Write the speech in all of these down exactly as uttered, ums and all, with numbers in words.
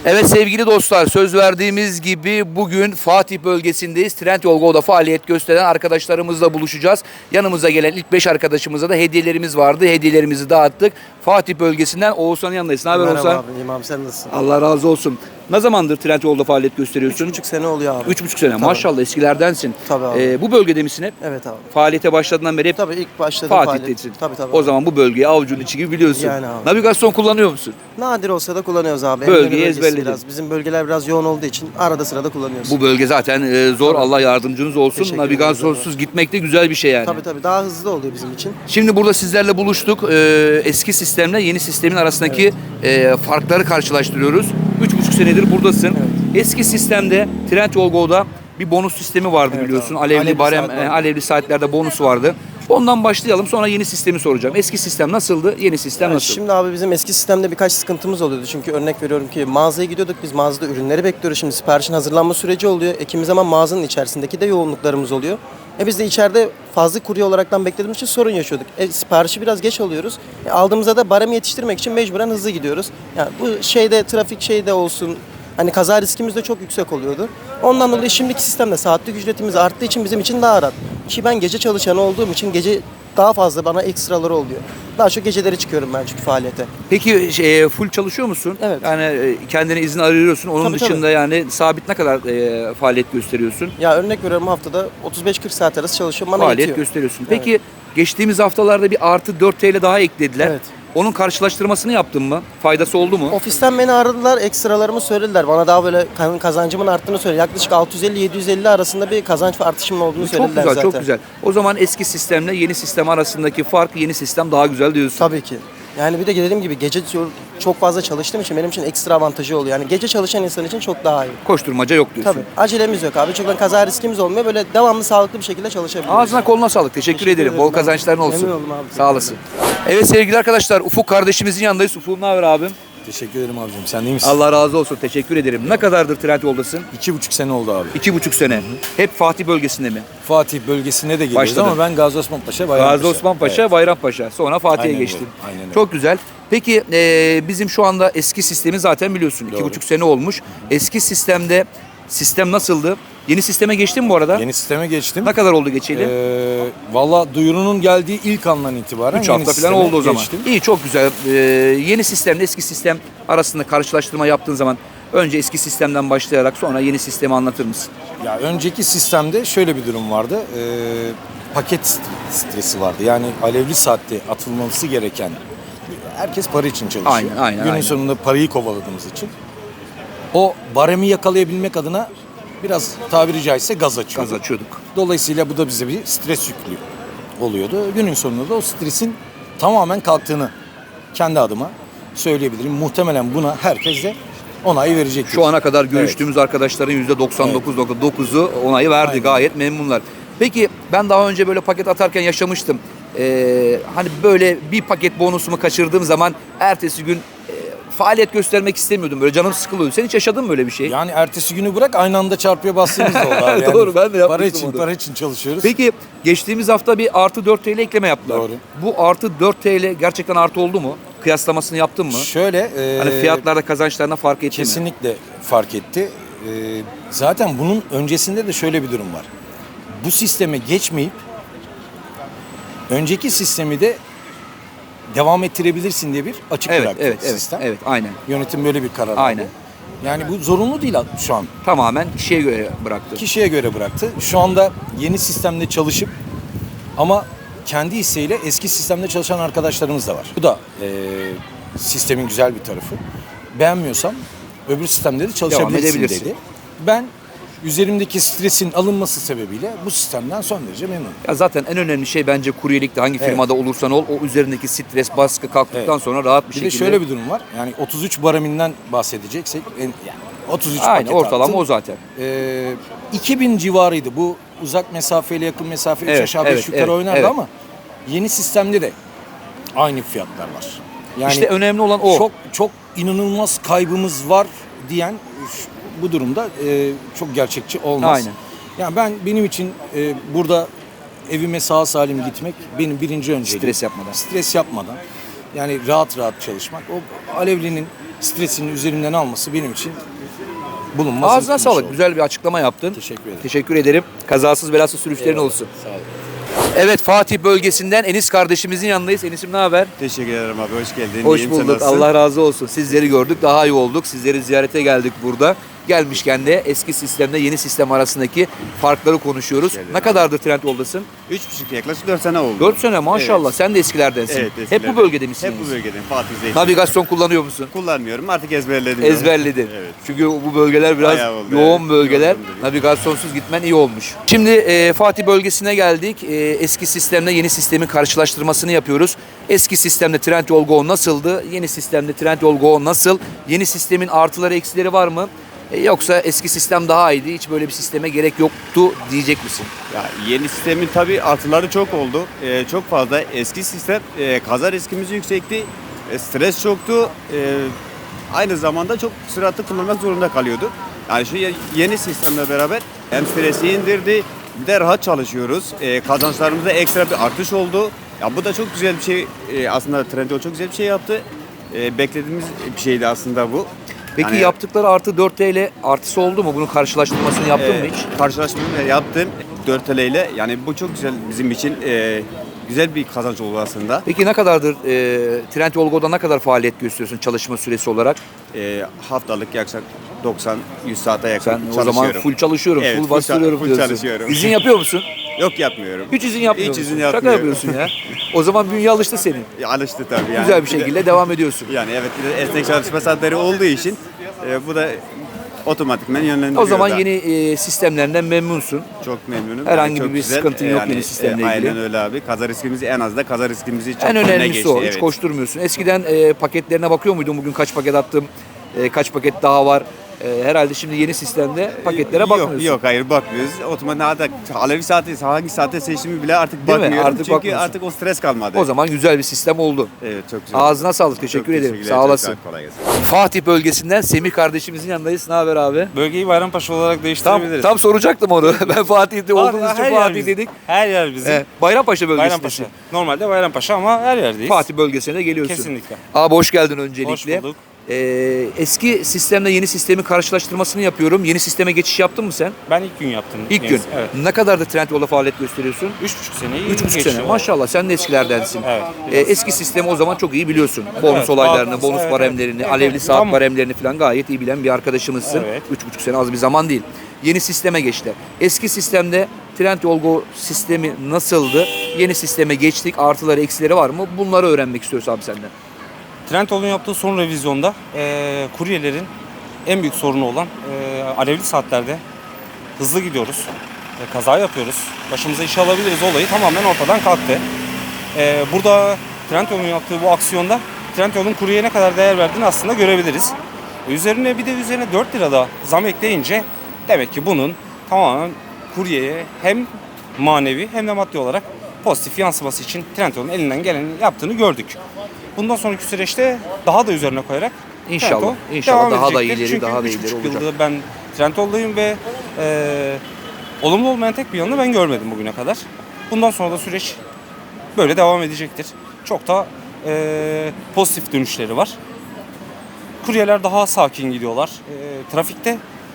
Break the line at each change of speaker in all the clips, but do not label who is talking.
Evet sevgili dostlar, söz verdiğimiz gibi bugün Fatih bölgesindeyiz. Trendyol Go'da faaliyet gösteren arkadaşlarımızla buluşacağız. Yanımıza gelen ilk beş arkadaşımıza da hediyelerimiz vardı. Hediyelerimizi dağıttık. Fatih bölgesinden Oğuzhan'ın yanındayız. Ne haber Oğuzhan?
Merhaba abi, iyiyim abi, sen nasılsın?
Allah razı olsun. Ne zamandır Trendyol'da faaliyet gösteriyorsun?
Üç buçuk sene oluyor abi.
Üç buçuk sene.
Tabii.
Maşallah eskilerdensin.
Tabii abi.
Ee, bu bölgede misin hep?
Evet abi.
Faaliyete başladığından beri hep
Tabii ilk başladım
Fatih'tesin.
Tabii tabii.
O zaman bu bölgeyi avucunun içi gibi biliyorsun.
Yani abi.
Navigasyon kullanıyor musun?
Nadir olsa da kullanıyoruz abi.
Bölgeyi
Emre'nin bölgesi
ezberledin.
biraz. Bizim bölgeler biraz yoğun olduğu için arada sırada kullanıyoruz.
Bu bölge zaten e, zor. Allah yardımcınız olsun.
Teşekkür
Navigasyonsuz
ederiz
gitmek de güzel bir şey yani.
Tabii tabii, daha hızlı oluyor bizim için.
Şimdi burada sizlerle buluştuk. Ee, eski sistemle yeni sistemin arasındaki e, farkları karşılaştırıyoruz. Üç buçuk senedir buradasın. Eski sistemde Trendyol Go'da bir bonus sistemi vardı
Evet
biliyorsun.
abi.
Alevli,
Alevli
barem,
saat vardı.
e, alevli saatlerde bonus vardı. Ondan başlayalım, sonra yeni sistemi soracağım. Eski sistem nasıldı? Yeni sistem
Yani
nasıl?
şimdi abi bizim eski sistemde birkaç sıkıntımız oluyordu. Çünkü örnek veriyorum ki mağazaya gidiyorduk, biz mağazada ürünleri bekliyoruz. Şimdi siparişin hazırlanma süreci oluyor. E, kimi zaman mağazanın içerisindeki de yoğunluklarımız oluyor. E biz de içeride fazla kurye olaraktan beklediğimiz için sorun yaşıyorduk. E, siparişi biraz geç alıyoruz. E, aldığımızda da baremi yetiştirmek için mecburen hızlı gidiyoruz. Yani bu şeyde, trafik şeyde olsun, hani kaza riskimiz de çok yüksek oluyordu. Ondan dolayı şimdiki sistemde saatlik ücretimiz arttığı için bizim için daha rahat. Ki ben gece çalışan olduğum için gece daha fazla bana ekstraları oluyor. Daha çok geceleri çıkıyorum ben çünkü faaliyete.
Peki şey, full çalışıyor musun?
Evet.
Yani e, kendine izin arıyorsun. Onun
Tabii,
dışında
tabii.
yani sabit ne kadar e, faaliyet gösteriyorsun?
Ya örnek veriyorum, haftada otuz beş kırk saat arası çalışıyorum. Bana
Faaliyet
yetiyor.
gösteriyorsun. Peki geçtiğimiz haftalarda bir artı dört T L daha eklediler.
Evet.
Onun karşılaştırmasını yaptın mı? Faydası oldu mu?
Ofisten beni aradılar, ekstralarımı söylediler. Bana daha böyle kan- kazancımın arttığını söylediler. Yaklaşık altı yüz elli yedi yüz elli arasında bir kazanç artışımın olduğunu
Çok
söylediler
güzel,
zaten.
çok güzel. O zaman eski sistemle yeni sistem arasındaki fark, yeni sistem daha güzel diyorsun.
Tabii ki. Yani bir de dediğim gibi gece çok fazla çalıştığım için benim için ekstra avantajı oluyor. Yani gece çalışan insan için çok daha iyi.
Koşturmaca yok diyorsun.
Tabii. Acelemiz yok abi. Çünkü kaza riskimiz olmuyor. Böyle devamlı sağlıklı bir şekilde çalışabiliyoruz.
Ağzına koluna sağlık. Teşekkür,
Teşekkür
ederim.
ederim
Bol
abi.
kazançların olsun.
Memnun oldum abi.
Sağ olasın. Evet sevgili arkadaşlar, Ufuk kardeşimizin yanındayız. Ufuk ne haber abim?
Teşekkür ederim abicim. Sen iyi misin?
Allah razı olsun. Teşekkür ederim. Ne kadardır Trendyol'dasın?
İki buçuk sene oldu abi.
İki buçuk sene. Hep Fatih bölgesinde mi?
Fatih bölgesine de geliyoruz
Başladın.
ama ben Gazi Osman Paşa, Bayrampaşa.
Gazi Osman Paşa,
Evet.
Bayrampaşa. Sonra Fatih'e
Aynen
geçtin.
öyle, aynen öyle.
Çok güzel. Peki e, bizim şu anda eski sistemi zaten biliyorsun. İki
Doğru.
buçuk sene olmuş. Eski sistemde sistem nasıldı? Yeni sisteme geçtin mi bu arada?
Yeni sisteme geçtim.
Ne kadar oldu geçeli?
Ee, Valla duyurunun geldiği ilk andan itibaren
üç
yeni
hafta falan
sisteme
oldu o zaman.
geçtim.
İyi, çok güzel. Ee, yeni sistemle eski sistem arasında karşılaştırma yaptığın zaman önce eski sistemden başlayarak sonra yeni sistemi anlatır mısın?
Ya önceki sistemde şöyle bir durum vardı. Ee, paket stresi vardı. Yani alevli saatte atılması gereken, herkes para için çalışıyor.
Aynen, aynen,
Günün
aynen.
sonunda parayı kovaladığımız için o baremi yakalayabilmek adına biraz tabiri caizse gaz açıyorduk.
Gaz açıyorduk.
Dolayısıyla bu da bize bir stres yüklü oluyordu. Günün sonunda da o stresin tamamen kalktığını kendi adıma söyleyebilirim. Muhtemelen buna herkes de onay verecektir.
Şu ana kadar görüştüğümüz arkadaşların yüzde doksan dokuz nokta dokuzu onayı verdi.
Aynen.
Gayet memnunlar. Peki ben daha önce böyle paket atarken yaşamıştım. Ee, hani böyle bir paket bonusumu kaçırdığım zaman ertesi gün e, faaliyet göstermek istemiyordum. Böyle canım sıkılıyordu. Sen hiç yaşadın mı böyle bir şey?
Yani ertesi günü bırak aynı anda çarpıya bastığımız da oldu abi. Yani
Doğru, ben de
Para
yapmıştım
için,
onu.
para için çalışıyoruz.
Peki geçtiğimiz hafta bir artı dört T L ekleme yaptılar.
Doğru.
Bu artı dört T L gerçekten artı oldu mu? Kıyaslamasını yaptın mı?
Şöyle, e,
Hani fiyatlarda kazançlarına fark etti mi?
kesinlikle fark etti. E, zaten bunun öncesinde de şöyle bir durum var. Bu sisteme geçmeyip önceki sistemi de devam ettirebilirsin diye bir açık
Evet,
bıraktı
evet, evet,
sistem.
evet, aynen.
Yönetim böyle bir karar aldı.
Aynen.
Yani bu zorunlu değil şu an.
Tamamen kişiye göre bıraktı.
Kişiye göre bıraktı. Şu anda yeni sistemde çalışıp ama kendi isteğiyle eski sistemde çalışan arkadaşlarımız da var. Bu da e, sistemin güzel bir tarafı. Beğenmiyorsam öbür sistemde de çalışabilirsin
edebilirsin.
dedi. Ben üzerimdeki stresin alınması sebebiyle bu sistemden son derece memnunum.
Ya zaten en önemli şey bence kuryelikte hangi
Evet.
firmada olursan ol o üzerindeki stres, baskı kalktıktan
Evet.
sonra rahat bir,
Bir
şekilde.
de şöyle bir durum var. Yani otuz üç bareminden bahsedeceksek en- yani otuz üç
Aynen,
paket
ortalama
attın.
o zaten.
Ee, iki bin civarıydı. Bu uzak mesafeyle yakın mesafe üç
Evet,
aşağı beş
evet,
yukarı
evet,
oynardı
evet.
ama yeni sistemde de aynı fiyatlar var. Yani
İşte önemli olan o.
Çok çok inanılmaz kaybımız var diyen şu- bu durumda e, çok gerçekçi olmaz.
Aynen.
Yani ben benim için e, burada evime sağ salim gitmek benim birinci önceliğim.
Stres yapmadan.
Stres yapmadan. Yani rahat rahat çalışmak. O alevlinin stresini üzerimden alması benim için bulunmaz.
Ağzına
bir
sağlık.
şey.
Güzel bir açıklama yaptın.
Teşekkür ederim.
Teşekkür ederim. Kazasız belasız sürüşlerin
Eyvallah.
olsun.
Sağ olun.
Evet, Fatih bölgesinden Enis kardeşimizin yanındayız. Enis'im ne haber?
Teşekkür ederim abi. Hoş geldin.
Hoş
İyiyim, sen
bulduk.
nasılsın?
Allah razı olsun. Sizleri gördük. Daha iyi olduk. Sizleri ziyarete geldik burada. Gelmişken de eski sistemle yeni sistem arasındaki farkları konuşuyoruz.
geldin
Ne
abi.
kadardır Trendyol'dasın?
Üç buçuk yaklaşık dört sene oldu.
dört sene maşallah.
Evet.
Sen de eskilerdensin.
Evet,
Hep
eskilerden.
bu bölgede misin?
Hep bu bölgedeyim. Fatih Zeytin.
Navigasyon kullanıyor musun?
Kullanmıyorum. Artık ezberledim.
Ezberledin.
Evet.
Çünkü bu bölgeler biraz
Bayağı oldu,
yoğun
evet.
bölgeler.
Yoğun bölge.
Navigasyonsuz gitmen iyi olmuş. Şimdi e, Fatih bölgesine geldik. E, eski sistemle yeni sistemin karşılaştırmasını yapıyoruz. Eski sistemde Trendyol Go nasıldı? Yeni sistemde Trendyol Go nasıl? Yeni sistemin artıları eksileri var mı? E, yoksa eski sistem daha iyiydi, hiç böyle bir sisteme gerek yoktu diyecek misin?
Ya, yeni sistemin tabii artıları çok oldu. Ee, çok fazla. Eski sistem e, kaza riskimiz yüksekti. E, stres çoktu. E, aynı zamanda çok süratli kullanmak zorunda kalıyordu. Yani şu ye- yeni sistemle beraber hem stresi indirdi, bir de rahat çalışıyoruz. E, kazançlarımızda ekstra bir artış oldu. Ya bu da çok güzel bir şey. E, aslında Trendyol çok güzel bir şey yaptı. E, beklediğimiz bir şeydi aslında bu.
Peki
Yani-
yaptıkları artı dört T L artısı oldu mu? Bunun karşılaştırmasını yaptın mı
Ee,
hiç?
Karşılaşmamı da yaptım dört T L ile. Yani bu çok güzel bizim için e, güzel bir kazanç oldu aslında.
Peki ne kadardır e, Trendyol Go'da ne kadar faaliyet gösteriyorsun çalışma süresi olarak?
E, haftalık yaklaşık doksan yüz saate yakın
Sen
çalışıyorum.
o zaman full çalışıyorum,
Evet,
full
full
bastırıyorum
full
diyorsun.
çalışıyorum.
İzin yapıyor musun?
Yok yapmıyorum.
Hiç izin yapmıyor
Hiç
musun?
izin
Şaka
yapmıyorum.
yapıyorsun ya. O zaman bünye alıştı senin.
E, Alıştı tabii yani.
Güzel bir
de-
şekilde devam ediyorsun.
yani evet bir de esnek çalışma saatleri olduğu için e, bu da otomatikmen yönlendiriyor
O zaman
da.
yeni e, sistemlerinden memnunsun.
Çok memnunum.
Herhangi
çok
bir
güzel.
sıkıntın yok
Yani,
yeni sistemle ilgili.
Aynen öyle abi. Kaza riskimizi en az da kaza riskimizi çok
En
önüne
önemlisi
geçti.
o. Hiç
Evet.
koşturmuyorsun. Eskiden e, paketlerine bakıyor muydun? Bugün kaç paket attım? E, kaç paket daha var? E, herhalde şimdi yeni sistemde paketlere bakmıyorsun.
Yok yok hayır bakmıyoruz. Otomatik hatta Alevi saati hangi saate seçtiğimi bile artık
Değil mi?
bakmıyorum.
Artık
Çünkü
bakmıyorsun.
artık o stres kalmadı.
O zaman güzel bir sistem oldu.
Evet çok güzel.
Ağzına sağlık. Teşekkür
Çok
ederim.
teşekkürler,
Sağ
çok
olasın.
Kolay gelsin.
Fatih bölgesinden Semih kardeşimizin yanındayız. Ne haber abi?
Bölgeyi Bayrampaşa olarak
Tam,
değiştirebiliriz.
tam soracaktım onu. Ben Fatih'te olduğumuz için
her yer
Fatih
bizim.
dedik.
Her yer bizim.
He, Bayrampaşa bölgesindesin.
Bayrampaşa. Normalde Bayrampaşa ama her yerdeyiz.
Fatih bölgesine geliyorsun.
Kesinlikle.
Abi hoş geldin öncelikle.
Hoş bulduk.
Ee, eski sistemle yeni sistemin karşılaştırmasını yapıyorum. Yeni sisteme geçiş yaptın mı sen?
Ben ilk gün yaptım.
İlk gün.
Neyse, Evet.
Ne kadar da Trendyol'da faaliyet gösteriyorsun?
Üç buçuk seneyi
Üç buçuk
geçiyor.
sene. Maşallah sen de eskilerdensin.
Evet,
Ee, eski sistemi o zaman çok iyi biliyorsun. Bonus
Evet,
olaylarını,
bazı-
bonus
evet,
baremlerini,
evet.
alevli
Evet,
saat
tamam.
baremlerini falan gayet iyi bilen bir arkadaşımızsın.
Evet.
Üç buçuk sene az bir zaman değil. Yeni sisteme geçti. Eski sistemde Trendyol Go sistemi nasıldı? Yeni sisteme geçtik. Artıları, eksileri var mı? Bunları öğrenmek istiyoruz abi senden.
Trendyol'un yaptığı son revizyonda e, kuryelerin en büyük sorunu olan e, alevli saatlerde hızlı gidiyoruz. E, kaza yapıyoruz. Başımıza iş alabiliriz olayı tamamen ortadan kalktı. E, burada Trendyol'un yaptığı bu aksiyonda Trendyol'un kuryeye ne kadar değer verdiğini aslında görebiliriz. E, üzerine bir de üzerine dört lira da zam ekleyince demek ki bunun tamamen kuryeye hem manevi hem de maddi olarak pozitif yansıması için Trendyol'un elinden geleni yaptığını gördük. Bundan sonraki süreçte daha da üzerine koyarak
İnşallah,
Trendyol
inşallah
devam
daha da
edecektir.
ileri,
Çünkü
daha da
üç
ileri
buçuk
olacak.
yıldır ben Trendyol'dayım ve e, olumlu olmayan tek bir yanını ben görmedim bugüne kadar. Bundan sonra da süreç böyle devam edecektir. Çok da e, pozitif dönüşleri var. Kuryeler daha sakin gidiyorlar. E, trafikte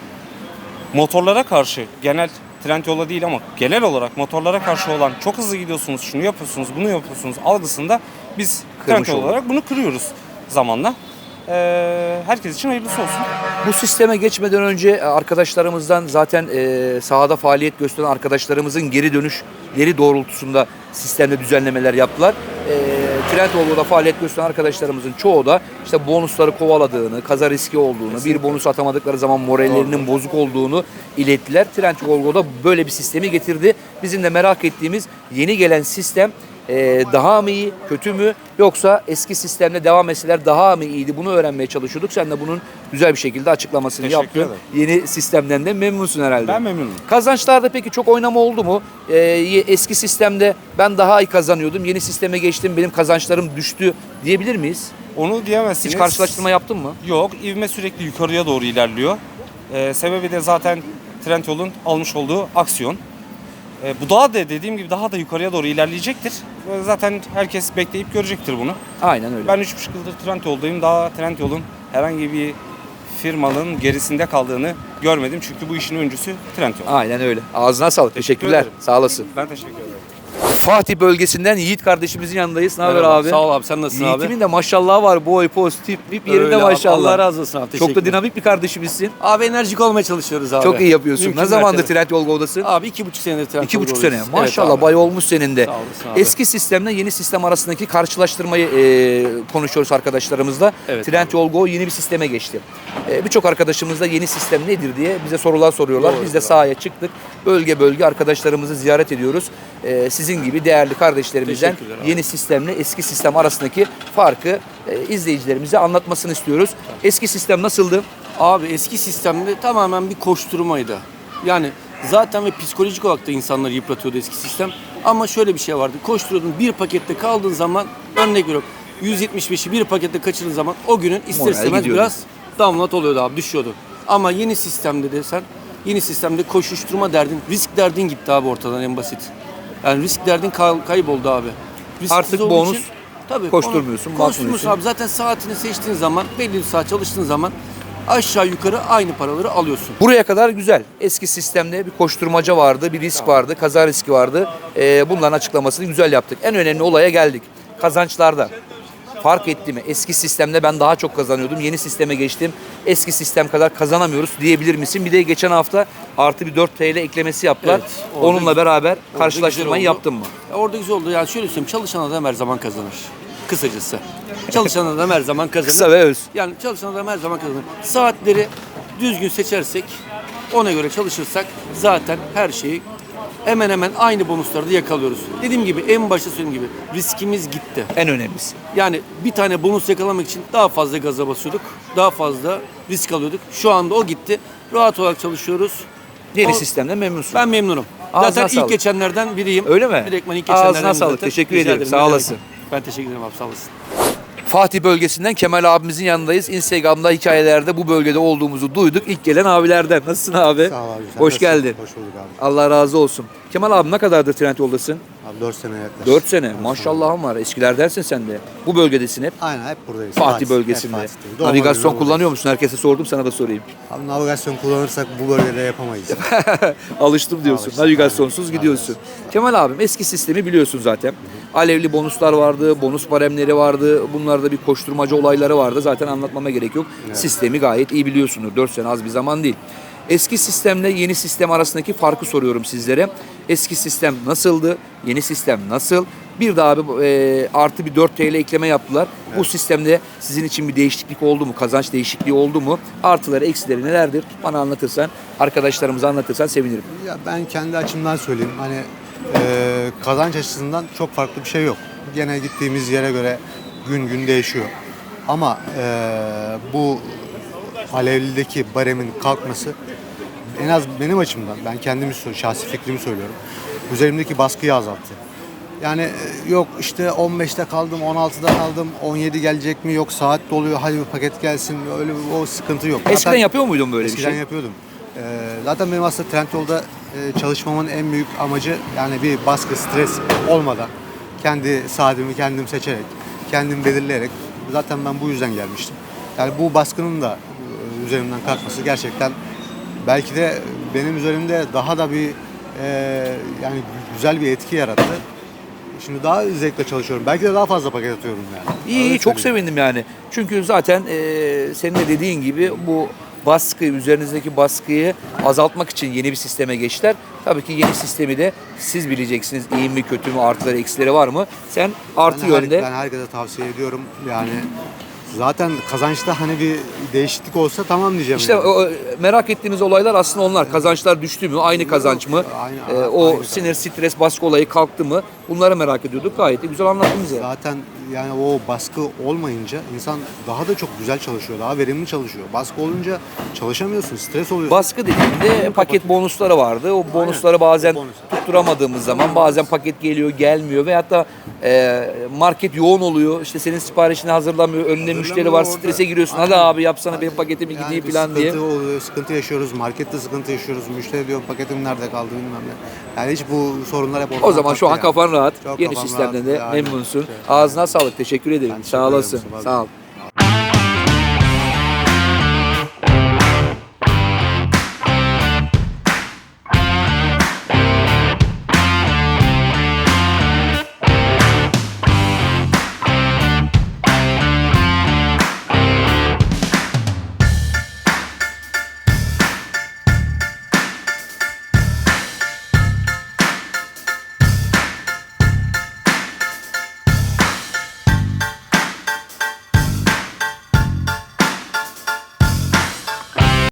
motorlara karşı genel Trendyol'a değil ama genel olarak motorlara karşı olan çok hızlı gidiyorsunuz, şunu yapıyorsunuz, bunu yapıyorsunuz algısında biz
Kırmış
Trendyol
olduk.
olarak bunu kırıyoruz zamanla. Ee, herkes için hayırlısı olsun.
Bu sisteme geçmeden önce arkadaşlarımızdan zaten e, sahada faaliyet gösteren arkadaşlarımızın geri dönüşleri doğrultusunda sistemde düzenlemeler yaptılar. E, Trendyol'da faaliyet gösteren arkadaşlarımızın çoğu da işte bonusları kovaladığını, kaza riski olduğunu, bir bonus atamadıkları zaman morallerinin bozuk olduğunu ilettiler. Trendyol'da böyle bir sistemi getirdi. Bizim de merak ettiğimiz yeni gelen sistem Ee, daha mı iyi, kötü mü, yoksa eski sistemle devam etseler daha mı iyiydi, bunu öğrenmeye çalışıyorduk. Sen de bunun güzel bir şekilde açıklamasını
Teşekkür
yaptın.
ederim.
Yeni sistemden de memnunsun herhalde.
Ben memnunum.
Kazançlarda peki çok oynama oldu mu? Ee, ye- eski sistemde ben daha iyi kazanıyordum, yeni sisteme geçtim, benim kazançlarım düştü diyebilir miyiz?
Onu diyemezsiniz.
Hiç karşılaştırma yaptın mı?
Yok, ivme sürekli yukarıya doğru ilerliyor. Ee, sebebi de zaten Trendyol'un almış olduğu aksiyon. Ee, bu daha da dediğim gibi daha da yukarıya doğru ilerleyecektir. Ve zaten herkes bekleyip görecektir bunu.
Aynen öyle.
Ben üç buçuk yıldır Trendyol'dayım. Daha Trendyol'un herhangi bir firmanın gerisinde kaldığını görmedim. Çünkü bu işin öncüsü Trendyol.
Aynen öyle. Ağzına sağlık.
Teşekkür
Teşekkürler.
ederim.
Sağ olasın.
Ben teşekkür ederim.
Fatih bölgesinden Yiğit kardeşimizin yanındayız. Ne haber
Merhaba,
abi?
sağ ol abi, sen nasılsın abi?
Yiğit'imin de maşallah var. Boy, poz, tip, tip yerinde
Öyle abi,
maşallah.
Allah razı olsun abi,
Çok da
teşekkürler.
dinamik bir kardeşimizsin.
Abi enerjik olmaya çalışıyoruz abi.
Çok iyi yapıyorsun.
Mümkün
ne zamandır
mertebe.
Trendyol Go'dasın?
Abi iki buçuk senedir Trendyol
İki buçuk
Go'dayız.
sene.
Evet
Maşallah
abi.
bay olmuş senin de.
Sağ olasın abi.
Eski sistemle yeni sistem arasındaki karşılaştırmayı e, konuşuyoruz arkadaşlarımızla.
Evet
Trendyol Go yeni bir sisteme geçti. E, Birçok arkadaşımız da yeni sistem nedir diye bize sorular soruyorlar.
Doğru,
Biz de
doğru.
sahaya çıktık. Bölge bölge arkadaşlarımızı ziyaret ediyoruz. E, sizin gibi değerli kardeşlerimizden
Teşekkürler abi.
yeni sistemle eski sistem arasındaki farkı e, izleyicilerimize anlatmasını istiyoruz. Eski sistem nasıldı?
Abi eski sistemde tamamen bir koşturmaydı. Yani zaten ve psikolojik olarak da insanları yıpratıyordu eski sistem. Ama şöyle bir şey vardı. Koşturuyordun, bir pakette kaldığın zaman, örnek veriyorum, yüz yetmiş beşi bir pakette kaçırdığın zaman o günün ister
Moral
istemez
gidiyordu.
biraz download oluyordu abi, düşüyordu. Ama yeni sistemde de sen, yeni sistemde koşuşturma derdin, risk derdin gitti abi ortadan, en basit. Yani risk derdin kay- kayboldu abi. Risksiz
Artık
olduğu
bonus
için- tabii,
koşturmuyorsun,
onu-
bakmıyorsun.
Koşturmuyorsun abi. Zaten saatini seçtiğin zaman, belli bir saat çalıştığın zaman aşağı yukarı aynı paraları alıyorsun.
Buraya kadar güzel. Eski sistemde bir koşturmaca vardı, bir risk vardı, kaza riski vardı. Ee, bunların açıklamasını güzel yaptık. En önemli olaya geldik. Kazançlarda. Fark etti mi? Eski sistemde ben daha çok kazanıyordum. Yeni sisteme geçtim. Eski sistem kadar kazanamıyoruz diyebilir misin? Bir de geçen hafta artı bir dört T L eklemesi yaptılar.
Evet, orada
Onunla
güzel-
beraber
orada
karşılaştırmayı
güzel oldu.
yaptın mı?
Ya orada güzel oldu. Yani şöyle söyleyeyim, çalışan adam her zaman kazanır. Kısacası. Çalışan adam her zaman kazanır.
Kısa ve öz.
Yani çalışan adam her zaman kazanır. Saatleri düzgün seçersek, ona göre çalışırsak zaten her şeyi hemen hemen aynı bonusları da yakalıyoruz. Dediğim gibi, en başta söylediğim gibi riskimiz gitti.
En önemlisi.
Yani bir tane bonus yakalamak için daha fazla gaza basıyorduk. Daha fazla risk alıyorduk. Şu anda o gitti. Rahat olarak çalışıyoruz.
Yeni
O-
sistemden memnunsun.
Ben memnunum.
Ağzına
Zaten ilk
sağlık.
geçenlerden biriyim.
Öyle mi?
Direktman ilk
Ağzına
geçenlerden
sağlık.
zaten.
Teşekkür
Rica
ederim. Sağ
Ne demek.
olasın.
Ben teşekkür ederim abi, sağ olasın.
Fatih bölgesinden Kemal abimizin yanındayız. Instagram'da hikayelerde bu bölgede olduğumuzu duyduk. İlk gelen abilerden. Nasılsın abi?
Sağ ol abi. Sen
Hoş
nasılsın?
geldin.
Hoş bulduk abi.
Allah razı olsun. Kemal abi ne kadardır Trendyol'dasın?
Abi dört sene yaklaşık.
dört sene. Maşallahım var. Eskilerdensin sen de. Bu bölgedesin hep.
Aynen hep buradayız.
Fatih
hep
bölgesinde.
Fatih'teyiz. Doğma
Navigasyon
büyüme
kullanıyor musun? Herkese sordum, sana da sorayım.
buradayız. Abi navigasyon kullanırsak bu bölgede yapamayız.
Alıştım diyorsun.
Alıştım,
Navigasyonsuz
aynen.
gidiyorsun. Kemal abim eski sistemi biliyorsun zaten. Alevli bonuslar vardı, bonus baremleri vardı. Bunlarda bir koşturmaca olayları vardı. Zaten anlatmama gerek yok. Sistemi gayet iyi biliyorsunuz. dört sene az bir zaman değil. Eski sistemle yeni sistem arasındaki farkı soruyorum sizlere. Eski sistem nasıldı? Yeni sistem nasıl? Bir de abi e, artı bir dört T L ekleme yaptılar. Bu sistemde sizin için bir değişiklik oldu mu? Kazanç değişikliği oldu mu? Artıları, eksileri nelerdir? Bana anlatırsan, arkadaşlarımıza anlatırsan sevinirim.
Ya ben kendi açımdan söyleyeyim. Hani e, kazanç açısından çok farklı bir şey yok. Gene gittiğimiz yere göre gün gün değişiyor. Ama e, bu Alevli'deki baremin kalkması en az benim açımdan, ben kendimi sö- şahsi fikrimi söylüyorum. Üzerimdeki baskıyı azalttı. Yani e, yok işte on beşte kaldım, on altıda kaldım, on yedi gelecek mi, yok saat doluyor, hadi bir paket gelsin, öyle bir- o sıkıntı yok.
Eskiden
Zaten
yapıyor muydun böyle
eskiden
bir şey?
yapıyordum. Ee, zaten benim aslında Trendyol'da e, çalışmamın en büyük amacı yani bir baskı, stres olmadan kendi saatimi kendim seçerek, kendim belirleyerek, zaten ben bu yüzden gelmiştim. Yani bu baskının da e, üzerimden kalkması gerçekten belki de benim üzerimde daha da bir e, yani güzel bir etki yarattı. Şimdi daha zevkle çalışıyorum. Belki de daha fazla paket atıyorum yani.
İyi, iyi
Öyle
çok
söyleyeyim.
sevindim yani. Çünkü zaten e, senin de dediğin gibi bu baskı, üzerinizdeki baskıyı azaltmak için yeni bir sisteme geçtiler. Tabii ki yeni sistemi de siz bileceksiniz. İyi mi, kötü mü, artıları, eksileri var mı? Sen artı
Ben her-
yönde.
Ben herkese tavsiye ediyorum. Yani zaten kazançta hani bir değişiklik olsa tamam diyeceğim.
İşte
yani.
o, merak ettiğimiz olaylar aslında onlar. Kazançlar düştü mü? Aynı kazanç mı?
Aynı-
Ee, o
aynı
sinir, stres, baskı olayı kalktı mı? Bunları merak ediyorduk. Gayet de güzel anlattın bize.
Zaten yani o baskı olmayınca insan daha da çok güzel çalışıyor. Daha verimli çalışıyor. Baskı olunca çalışamıyorsun. Stres oluyor.
Baskı dediğimde paket bonusları vardı. O bonusları bazen
o bonus.
tutturamadığımız zaman bazen paket geliyor, gelmiyor veyahut da e, market yoğun oluyor. İşte senin siparişini hazırlamıyor. Önünde müşteri var.
orada.
Strese giriyorsun. Hadi
Aynen.
abi yapsana benim paketimi
Yani
gideyim
bir
falan diye.
sıkıntı oluyor, sıkıntı yaşıyoruz. Markette sıkıntı yaşıyoruz. Müşteri diyor paketim nerede kaldı bilmem ne. Yani hiç bu sorunlar hep ortadan
O zaman şu an
kalktı yani.
kafan rahat.
Çok
Yeni
kafam
sistemden
rahat.
de
Aynen.
memnunsun.
Evet.
Ağzına sağlık. Teşekkür ederim.
Ben teşekkür
Sağ
ederim
olasın.
Mustafa abi.
Sağ ol.